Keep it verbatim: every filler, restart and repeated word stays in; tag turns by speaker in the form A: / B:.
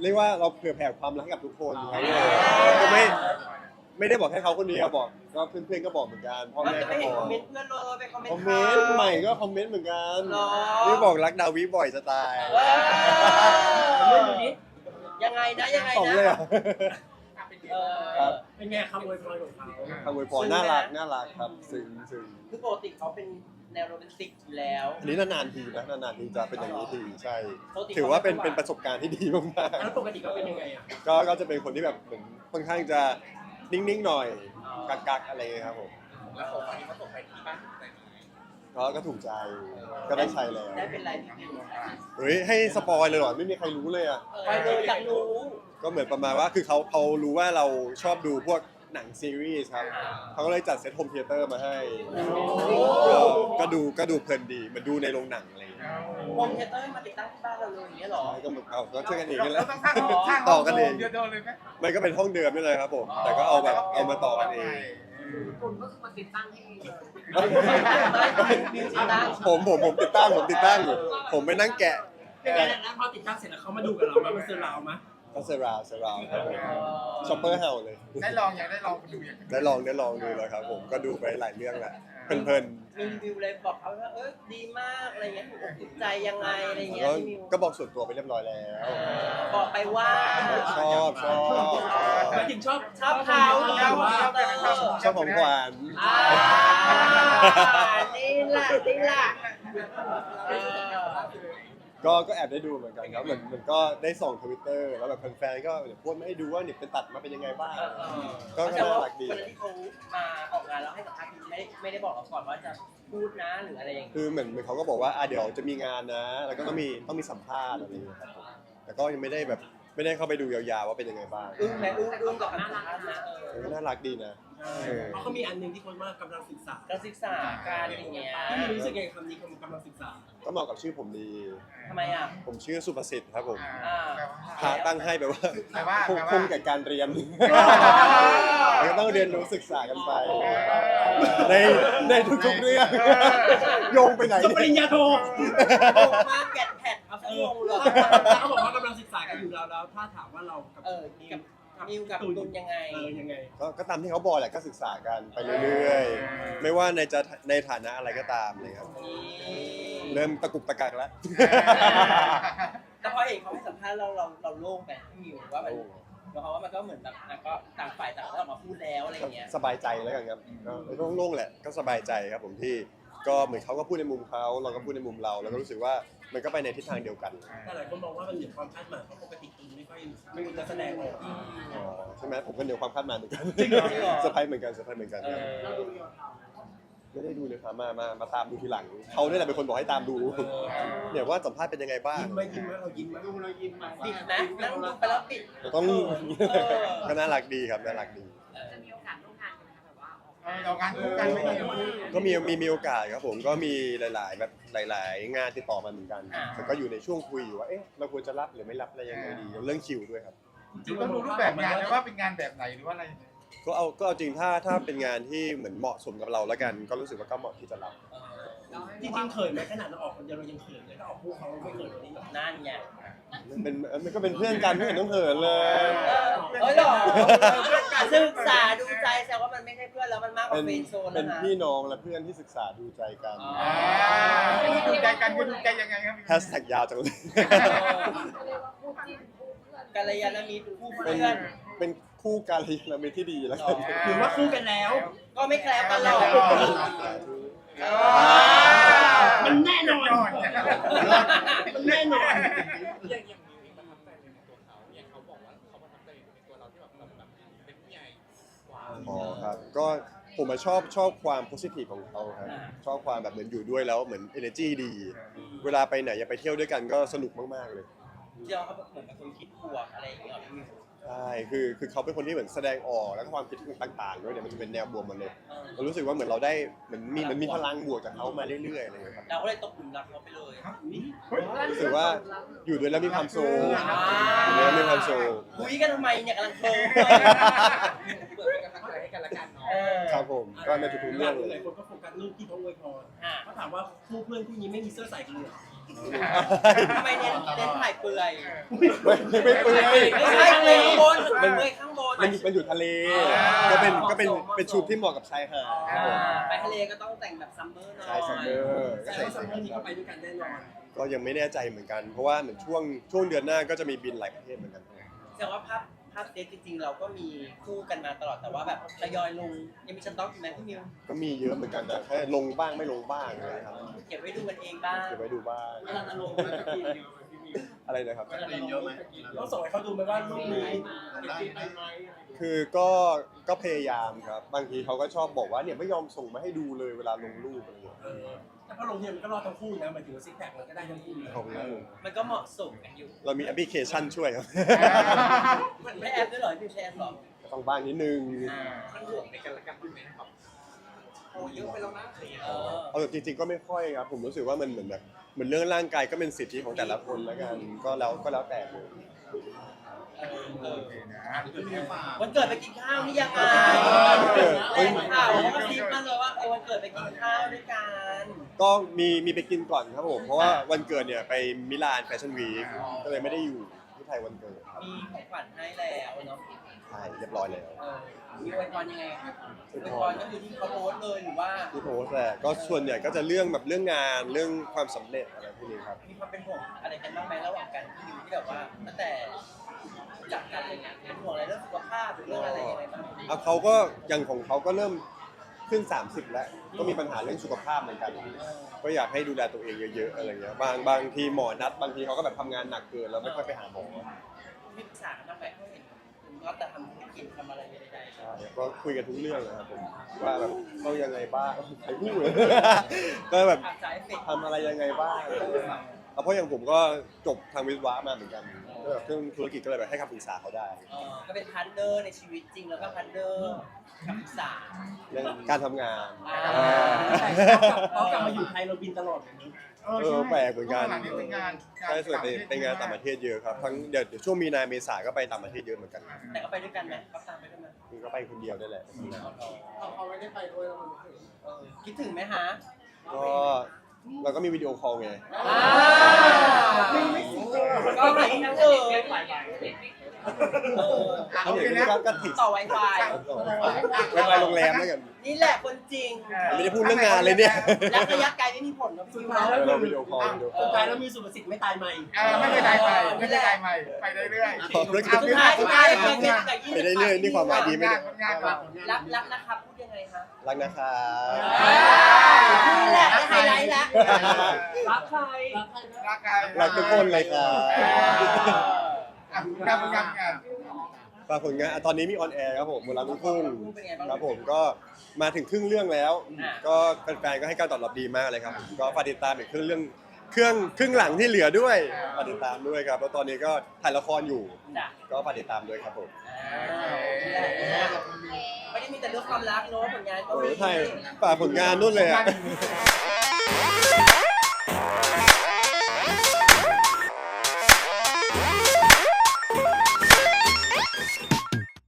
A: เรียกว่าเราเผื่อแผ่ความรักให้กับทุกคนครับก็ไม่ไม่ได้บอกแค่เขาคนเดียวบอกก็เพื่อนๆก็บอกเหมือนกันพ่อ
B: ไม่
A: แม่
B: ไป
A: ก็บ
B: เห็น
A: อก
B: คอมเมนต์เพื่อนเลยไปคอมเมน
A: คอม
B: ต์
A: เมนต์ใหม่ก็คอมเมนต์เหมือนกัน
B: หรอ
A: นี่บอกรักดาวิบ่อยจะตาย
B: เรื่องนี้ยังไงนะยังไง
A: ของ
B: นะ
A: เลยเหรอ
B: เออ
A: ครับ
C: เป็นไงคำอวยพรของเขา
A: คำอวยพรน่ารักน่ารักครับซึ้งซึ้ง
B: คือปกติเขาเป็นแนวโรแมนติกอยู่แล้ว
A: อันนี้นานๆทีนะนานๆทีจะเป็นอย่างนี้ทีใช่
B: ปกติ
A: ถือว่าเป็น
B: เขาไม่
A: เป็นประสบการณ์ที่ดีมาก
C: แล้วปกติเขาเป็นยังไงอ่ะ
A: ๆก็ก็จะเป็นคนที่แบบเหมือนค่อนข้างจะนิ่งๆหน่อยกักๆอะไรอย่างเงี้ยครับผม
D: แล้วของวันนี้เขาส่งไปที่บ้านไหน
A: ก็ก็ถูกใจก็ได้ใช้แล้ว
B: ได้เป็นไรพี่บิว
A: เฮ้ยให้สปอยเลยเหรอไม่มีใครรู้เลยอ่ะ
B: ไปเลยอยากรู้
A: ก็เหมือนประมาณว่าคือเขาเขารู้ว่าเราชอบดูพวกหนังซีรีส์ครับเขาก็เลยจัดเซตโฮมเธียเตอร์มาให้ก็ก็ดูก็ดูเพลินดีเหมือนดูในโรงหนังอะไรอย่างเงี้ย
B: โฮมเธียเตอร์มาติดตั้งที่บ้านเราเลยอย่างเงี้ยเหรอ
A: ใช่ก็เหมือนเอาก็ช่วยกันเอง
D: เรา
A: นี่แหละ
D: ต้องสร้างสร้าง
A: ต่อกันเอง
D: เดียวเลยไหม
A: มันก็เป็นห้องเดิมนี่เลยครับผมแต่ก็เอาแบบเอามาต่อกันเอง
E: คุณก็คือมาติดตั้งให้เลย
B: มิวสิกตั้ง
A: ผมผมผมติดตั้งผมติดตั้งอยู่ผมไปนั่งแกะ
C: เป็นไงแล้วพอติดตั้งเสร็จแล้วเขามาดูกับเราไหมมาเซอร์เราไหม
A: ก็เซราวเซราวครับผมช็อปเปอร์เฮาเลย
D: ได้ลองยังได้ลองดูอย่าง
A: ได้ลองได้ลองดูแล้วครับผมก็ดูไปหลายเรื่องแหละเพลิน
B: มีรีวิวเลยบอกเขาว่าเออดีมากอะไรเงี้ยถูกอกถูกใจยังไงอะไร
A: ๆ
B: เงี้ย
A: ก็
B: พี่มิว
A: ก็บอกส่วนตัวไปเรียบร้อยแล้ว
B: บอกไปว่า
A: ชอบชอบ
C: หมายถึงชอบ
B: ชอบเขา
C: ชอบว่า
A: ชอบของขวัญ
B: อ่านี่แหละนี่แหละเออ
A: ก็ก็แอบได้ดูเหมือนกันครับเหมือนมันก็ได้ส่องทวิตเตอร์แล้วแบบแฟนๆก็เดี๋ยวโพสต์มาให้ดูว่าเนี่ยเป็นตัดมาเป็นยังไงบ้าง ก็ก็น่ารักดี
B: วันที่เขามาออกงานแล้วให้สัมภาษณ์ไม่ได้ไม่ได้บอกเราก่อนว่าจะพูดนะหรืออะไรอย่างเงี้ย
A: คือเหมือนเหมือนเขาก็บอกว่าอ่ะเดี๋ยวจะมีงานนะ แล้วก็ต้องมีต้องมีสัมภาษณ์อะไรอย่างเงี้ยครับผมแต่ก็ยังไม่ได้แบบไม่ได้เข้าไปดูยาวๆว่าเป็นยังไงบ้าง
B: อึ้งไหมอึ้งอึ้งกับคำสัมภาษณ์นะเอ
A: เอ
B: อ
A: อน่ารักดีนะ เออ
C: เพราะเขามีอันหนึงที่คนว่ากำลังศึกษา
B: การศึกษาการอย่างเงี้ย
C: พี่มีรู้สึกไงคำนี้คำกำลังศึกษา
A: ก็เหมาะกับชื่อผมดี
B: ทำไมอ่ะ
A: ผมชื่อสุประสิทธิ์ครับผม
B: อ่า
A: พาตั้งให้แบบว่า
D: แปลว่า
A: คง
D: แปลว่า
A: คงแก่การเรียนแล้วก็ต้องเรียนรู้ศึกษากันไป ในในทุกๆเรื่องโยงไปไหน
C: จบปริญ
A: เนี่ย
C: ญาโท
B: โอ้มากแกะแผดเอาสักวงเลย
C: เขาบอกว่ากำลังศึกษากันอยู่แล้วแล้วถ้าถามว่าเรากับ
B: เออกับมิวกับตุนยังไง
C: เออยังไง
A: ก็ก็ตามที่เขาบอกแหละก็ศึกษากันไปเรื่อยๆ ไม่ว่าในจะในฐานะอะไรก็ตามเลยครับ เริ่มตะกุกตะกักแล้ว
B: แต่พอเห็นเขาให้สัมภาษณ์เราเราเราโล่งไปพี่มิวว่ามันเพราะว่ามันก็เหมือนแบบอ่ะก็ต่างฝ่ายต่างก็ออกมาพูดแล้วอะไรอย่างเงี้ย
A: สบายใจแล้วกันครับก็โล่งๆแหละก็สบายใจครับผมที่ก็เหมือนเขาก็พูดในมุมเขาเราก็พูดในมุมเราแล้วก็รู้สึกว่ามันก็ไปในทิศทางเดียวกัน
C: แต่หลายคนมองว่ามันเหนือความคาดหมายเพราะปกติคุณไม่ค่อยไม่จะแสดงออก
A: อ๋อใช่ไหมผมก็เหนือความคาดหมายเหมือนกัน
B: จริงเหรอจริงเหรอ
A: เซอร์ไพรส์เหมือนกันเซอร์ไพรส์เหมือนกัน
B: เอ
A: ครับ
B: อ
E: เราดูอยู่กับเขา
A: ไม่ได้ดูเลยครับมามามาตามดูทีหลังเขาเนี่ยแหละเป็นคนบอกให้ตามดูเนี่ยว่าสัมภาษณ์เป็นยังไงบ้าง
C: ยิ้มไหมยิ้มไหมเรายิ้มไหม
E: ดูเรายิ้มมา
B: ปิดนะนั่งดูไปแล้วปิด
A: ต้อง
B: เออ
A: ก็น่ารักดีครับน่ารักดี
E: จะมีโอกาสร่วมงานกันไหมคะแบบว่าออก
D: เออเรางานคู่กันไม่มี
A: ก็มีมีมีโอกาสครับผมก็มีหลาย ๆ แบบหลาย ๆ งานติดต่อมาเหมือนกันแต่ก็อยู่ในช่วงคุยอยู่ว่าเอ๊ะเราควรจะรับหรือไม่รับอะไรยังไงดีเรื่องคิวด้วยครับ
D: ต้องดูรูปแบบงานนะว่าเป็นงานแบบไหนหรือว่าอะไร
A: ก็เอาก็เอาจริงถ้าถ้าเป็นงานที่เหมือนเหมาะสมกับเราแล้วกัน ก็รู้สึกว่าก็เหมาะที่จะรับ
C: จริงๆเขินไหมขนาดเราออกคนเดียวเรายังเขินเลยถ้าออกคู่เขาไม่เขินแบบนี้หรอก
B: นั่นไง
A: มันเป็นมันก็เป็นเพื่อนกันไม่เห็นต้องเขินเลย
B: เออเฮ้ยหรอศึกษาดูใจแสดงว่ามันไม่ใช่เพื่อนแล้วมันมากก
A: เป็
B: ว่าน เฟรนด์โซน
A: เป็
B: นะ
A: น
B: คะ
A: พี่น้องและเพื่อนที่ศึกษาดูใจกัน
B: อ๋อ
D: อ่าดูใจกันคือดูใจยังไงครับ
A: แฮชแท็กยาวจังเลย
E: เขาเรียกว่าคู่จิ้นคู่เพื่อน
B: กัลยาณมิตรคู่
A: เป็น
B: เพื่อน
A: เป็นคู่การลีลาเมที่ดีแล้วกัน
C: หรือว่าคู่กันแล้ว
B: ก็ไม่แคล้วกันหรอก
C: มันแน่นอนมันแน่นอน
F: อย่างอย่างมิวเองประทับใจในตัวเขาอย่างเขาบอกว่าเขาประทับใจในตัวเราที่แบบเราแบบเป็นผู้ใหญ่กว่า
A: อ๋อครับก็ผมมาชอบชอบความโพสิทีฟของเขาครับชอบความแบบเหมือนอยู่ด้วยแล้วเหมือน energy ดี เวลาไปไหนอย่าไปเที่ยวด้วยกันก็สนุกมากๆเลย
B: เดี๋ยวเขาเหมือนเป็นคนคิดบวกอะไรอย่างเงี้ยพี่มิว
A: ใช่คือคือเขาเป็นคนที่เหมือนแสดงออกแล้วก็ความคิดต่างๆด้วยเนี่ยมันจะเป็นแนวบวกหมดเลยเรารู้สึกว่าเหมือนเราได้เหมือนมีมันมีพลังบวกจากเขามาเรื่อยๆอะไรอย่างเงี้ยครับ
B: เราก็เลยตกหลุมรักเขาไปเลย
A: รู้สึกว่าอยู่ด้วยแล้วมีความสุข
B: อ่า
A: อยู่ด้วยแล้วมีความสุข
B: คุยกันทำไมเนี่ยกำลังเคิร์ฟ
F: เปิดเป็นกำลังใจให้กันละกันเนาะ
B: เออ
A: ครับผมก็ก็ในทุกๆ
C: ห
A: เรื่อง
C: ลา
A: เลย
C: ยคนก็โฟกัสรูปที่เขาอวยพร
B: อ่า
C: เขาถามว่าคู่เพื่อนคู่นี้ไม่มีเสื้อใส่กันเลยเหรอ
B: ทำไมเน้นเน้นถ่ายเปลือย
A: ไม่ไม่เปื่อย
B: ไม่ใช่เปลือยข้างบนเปลือยข้างบน
A: มันอยู่มันอยู่ทะเล ก็เป็นก็เป็นเป็นชุดที่เหมาะกับชายหาดครับผม
B: ไปทะเลก็ต้องแต่งแบบซัมเมอร์หน่อย
A: ใช่ซัมเมอร์ก็
C: แต่
A: ใส่
C: ว่าส
A: ใส่
C: องคนนี้ก็ไปด้วยกันแน่นอน
A: ก็ยังไม่แน่ใจเหมือนกัน เพราะว่าเหมือนช่วงช่วงเดือนหน้าก็จะมีบินหลายประเทศเหมือนกัน
B: แสดงว่าภาพภาพเดทจริงๆ เราก็มีคู่กันมาตลอดแต่ว่าแบบทยอยลงยังมีสต็อกอยู่ไหมพี่มิว
A: ก็มีเยอะเหมือนกันแต่แค่ลงบ้างไม่ลงบ้างนะครับ
B: เก็บไว้ดูกันเองบ้าง
A: เก็บไว้ดูบ้าง
C: เวลาจะลงมันจะกินเยอะไหมพี่มิว
A: อะไรนะครับ
C: เวลาจะลงเยอะไหมต้องส่งให้เขาดูไหมว่ารูปนี้ได้ไหม
A: คือก็ก็พยายามครับ บางทีเขาก็ชอบบอกว่าเนี่ยไม่ยอมส่งมาให้ดูเลยเวลาลงรูปอะไรอย่างเงี้ย
C: เออแต่พอลงเนี่ยมันก็รอดทั้งคู่นะหมายถึงว่าซิกแพคมันก็ได้ทั้งคู่เลย
A: ขอบคุณครับผม
B: มันก็เหมาะสมกันอยู่
A: เรามีแอปพลิเคชันช่วยครับ
B: มันไม่แอปด้วยเหรอพี่แชร์หรอ
A: ต้องบ้างนิดนึง
F: มันห่วงในกันและกันด้วยไหมครับโอ้เยอะไปแล้วนะอะไรอย่างเงี้ย
B: เออ
A: เอาแบบจริงๆก็ไม่ค่อยครับ ผมรู้สึกว่ามันเหมือนแบบเหมือนเรื่องร่างกายก็เป็นสิทธิของแต่ละคนแล้วกัน ก็แล้วก็แล้วแต่เลย
B: เออ
D: โอเคนะ
B: วันเกิดไปกินข้าวนี่ยังไง
A: เกิด
B: แรงข่าวเขาก็ซิปมาเลยว่าเออวันเกิดไปกินข้าวด้วยกัน
A: ก็มีมีไปกินก่อนครับผม เพราะว่าวันเกิดเนี่ยไปมิลานแฟชั่นวีคก็เลยไม่ได้อยู่ที่ไทยวันเกิดครับ
B: มีของขวัญให้แล้วเนาะ
A: ใช่เรียบร้อยแล้ว
B: เออมีอวยพรยังไงครับอวยพรก็คือที่เขาโพสต์เลยหรือว่า
A: ที่โพสต์แหละก็ส่วนใหญ่ก็จะเรื่องแบบเรื่องงานเรื่องความสำเร็จอะไรพวกนี้ครับ
B: มีความเป็นห่วงอะไรกันบ้างไหมระหว่างกันที่อยู่ที่แบบว่าตั้งแต่รู้จักกันอะไรเงี้ยเป็นห่วงอะไรเรื่องสุขภาพหรือเรื่องอะไรยังไงบ้าง
A: อ่ะเขาก็อย่างของเขาก็เริ่มขึ้น สามสิบ แล้ว ก็มีปัญหาเรื่องสุขภาพเหมือนกัน ก็อยากให้ดูแลตัวเองเยอะๆอะไรเงี้ยบางบางทีหมอนัดบางทีเขาก็แบบทำงานหนักเกินแล้วไม่ค่อยไปหาหมอ
B: มีปรึกษากันบ้างไหมเขาเห็นคุณก็แต่ทำธุรกิจทำอะไรใดๆ
A: ใช่ก็คุยกันทุกเรื่องนะครับผมว่าแบบต้องยังไงบ้างใครพูด ก็แบบ
B: อาจจะเอฟเฟกต์
A: ทำอะไรยังไงบ้างเอาเพราะอย่างผมก็จบทางวิศวะมาเหมือนกันก็แบบเรื่องธุรกิจก็เลยแบบให้คำปรึกษาเขาได้
B: เอ่อก็เป็นพาร์ทเนอร์ในชีวิตจริงแล้วก็พาร์ทเนอร์กับปรึกษา
A: เรื่องการทำงาน
B: อ่า
C: เขากลับมาอยู่ไทยเราบินตลอดอย่างนี้
A: เออแปลกเหมือนกัน
D: หลังนี้เป็นงาน
A: ใช่ส่วนเป็นเป็นงานต่างประเทศเยอะครับทั้งเดี๋ยวเดี๋ยวช่วงมีนาเมษาก็ไปต่างประเทศเยอะเหมือนกัน
B: แต่ก็ไปด้วยกันไหมเขาตามไปด้วยไหม
A: คือก็ไปคนเดียวได้แหละ
C: เขาไม่ได้ไปด้วยแล้วมัน
B: เออคิดถึงไหมฮะ
A: ก็เราก็มีวิดีโอคอลไง
B: อ่าก็ไหนนั่งเออเออ
A: เอาอย่างนี้ก็ก็ติด
B: ต่อ Wi-Fi
A: ไปไปโรงแรมแล้วกัน
B: นี่แหละคนจริง
A: ไม่ได้พูดเรื่องงานเลยเนี่ย
B: รักระยะไกลไม่มีผลนะพี่
C: สุด
B: มิว
C: ท้ายแล้ว
A: เราวิดีโอคอลวิดีโอคอ
C: สุ
A: ล
C: ดท้ายแล้วมีสุภสิทธิ์ไม่ตายใหม่
D: เออไม่เป็นไรไปไม่เป็นไรใหม่ไปเรื่อยๆ
A: ขอบคุณ
B: สุดท้ายสุดท้ายเป็นเป็นแต่ยี่
A: ไปได้เรื่อยนี่ความหมายดีไหม
D: งา
A: เนี่
D: น
A: ย
D: งานรัก
B: รักรักนะครับพูดยังไงคะ
A: รักนะครับ
B: นี่แหละได้ไฮไลท์แล้ว
C: รักใคร
D: รักใคร
A: รักทุกคนเลยครับ
D: อ่ะงานงานงาน
A: ฝากผลงานอ่ะตอนนี้มีออนแอร์ครับผมมูลรักลูกทุ่งครับผมก็มาถึงครึ่งเรื่องแล้ว ก็แฟนๆก็ให้การตอบรับดีมากเลยครับ ก็ฝากติดตามอีกครึ่งเรื่องเครื่องครึ่งหลังที่เหลือด้วยฝากติดตามด้วยครับแล้วตอนนี้ก็ถ่ายละครอยู่
B: จ้ะ
A: ก็ฝากติดตามด้วยครับผม
B: ไม่ได้มีแต่เรื่องความรักเนอะผลงานก็
A: โอ้
B: มี
A: ยถ่ายฝากผลงานนู่นเลยอ่ะ
D: งาน